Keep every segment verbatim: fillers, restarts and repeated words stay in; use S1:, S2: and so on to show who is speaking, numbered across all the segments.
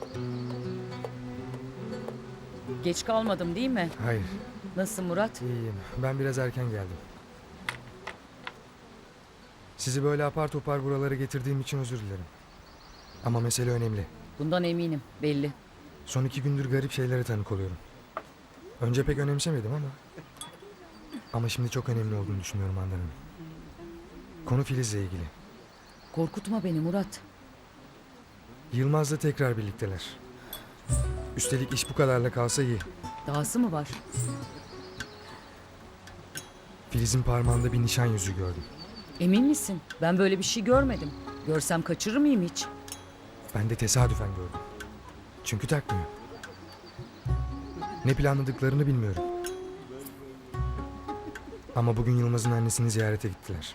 S1: Geç kalmadım değil mi?
S2: Hayır,
S1: Nasılsın Murat?
S2: iyiyim. Ben biraz erken geldim. Sizi böyle apar topar buralara getirdiğim için özür dilerim. Ama mesele önemli.
S1: Bundan eminim, belli.
S2: Son iki gündür garip şeylere tanık oluyorum. Önce pek önemsemedim ama... Ama şimdi çok önemli olduğunu düşünüyorum Handan Hanım. Konu Filiz'le ilgili.
S1: Korkutma beni Murat.
S2: Yılmaz'la tekrar birlikteler. Üstelik iş bu kadarla kalsa iyi.
S1: Dahası mı var?
S2: Filiz'in parmağında bir nişan yüzüğü gördüm.
S1: Emin misin? Ben böyle bir şey görmedim. Görsem kaçırır mıyım hiç?
S2: Ben de tesadüfen gördüm. Çünkü takmıyor. Ne planladıklarını bilmiyorum. Ama bugün Yılmaz'ın annesini ziyarete gittiler.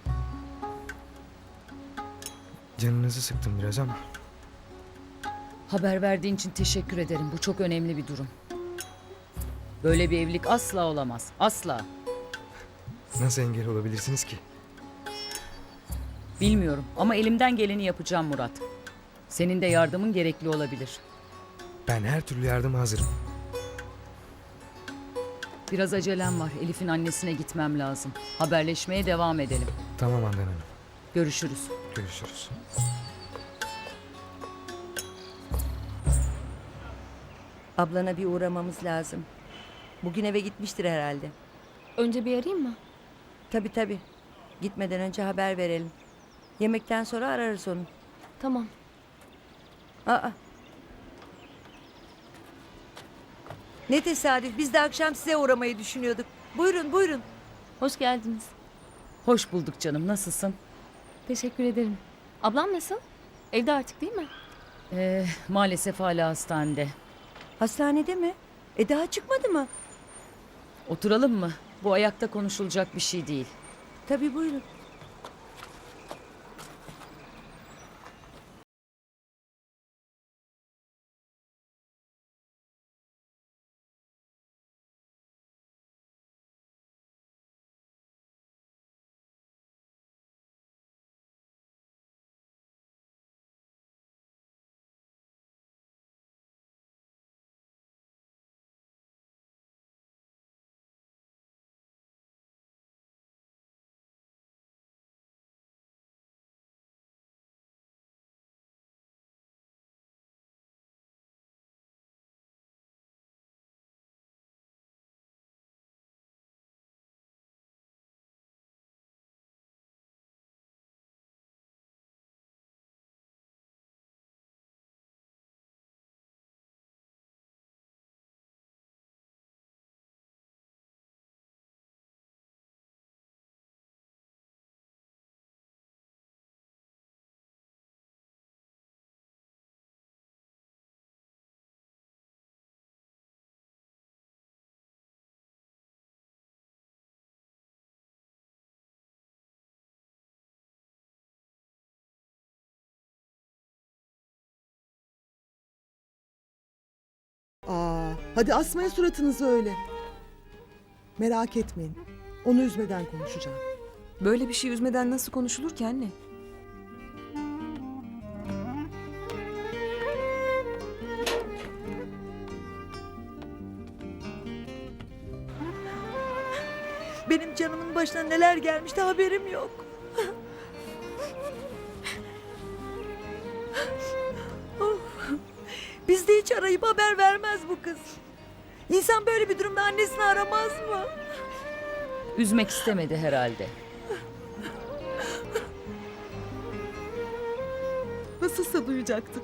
S2: Canınızı sıktım biraz ama...
S1: Haber verdiğin için teşekkür ederim. Bu çok önemli bir durum. Böyle bir evlilik asla olamaz. Asla.
S2: Nasıl engel olabilirsiniz ki?
S1: Bilmiyorum ama elimden geleni yapacağım Murat. Senin de yardımın gerekli olabilir.
S2: Ben her türlü yardıma hazırım.
S1: Biraz acelem var. Elif'in annesine gitmem lazım. Haberleşmeye devam edelim.
S2: Tamam Handan Hanım.
S1: Görüşürüz.
S2: Görüşürüz.
S3: Ablana bir uğramamız lazım. Bugün eve gitmiştir herhalde.
S4: Önce bir arayayım mı?
S3: Tabii tabii. Gitmeden önce haber verelim. Yemekten sonra ararız onu.
S4: Tamam.
S3: Aa. Ne tesadüf. Biz de akşam size uğramayı düşünüyorduk. Buyurun buyurun.
S4: Hoş geldiniz.
S1: Hoş bulduk canım. Nasılsın?
S4: Teşekkür ederim. Ablam nasıl? Evde artık değil mi?
S1: Ee, maalesef hala hastanede.
S3: Hastanede mi? E daha çıkmadı mı?
S1: Oturalım mı? Bu ayakta konuşulacak bir şey değil.
S3: Tabii buyurun.
S5: Aa, hadi asmayın suratınızı öyle. Merak etmeyin. Onu üzmeden konuşacağım.
S6: Böyle bir şey üzmeden nasıl konuşulur ki anne?
S3: Benim canımın başına neler gelmişti haberim yok. Of. Bizde hiç arayıp haber vermez bu kız. İnsan böyle bir durumda annesini aramaz mı?
S1: Üzmek istemedi herhalde.
S5: Nasılsa duyacaktık.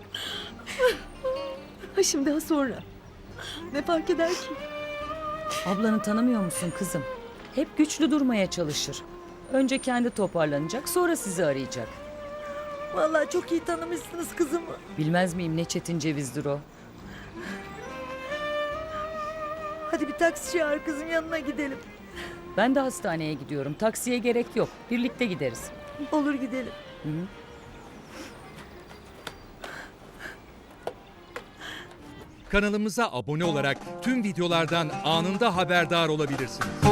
S5: Ha şimdi ha sonra. Ne fark eder ki?
S1: Ablanı tanımıyor musun kızım? Hep güçlü durmaya çalışır. Önce kendi toparlanacak, sonra sizi arayacak.
S3: Vallahi çok iyi tanımışsınız kızımı.
S1: Bilmez miyim ne çetin cevizdir o.
S3: Hadi bir taksi çağır kızım, yanına gidelim.
S1: Ben de hastaneye gidiyorum. Taksiye gerek yok. Birlikte gideriz.
S3: Olur gidelim.
S1: Hı hı.
S7: Kanalımıza abone olarak tüm videolardan anında haberdar olabilirsiniz.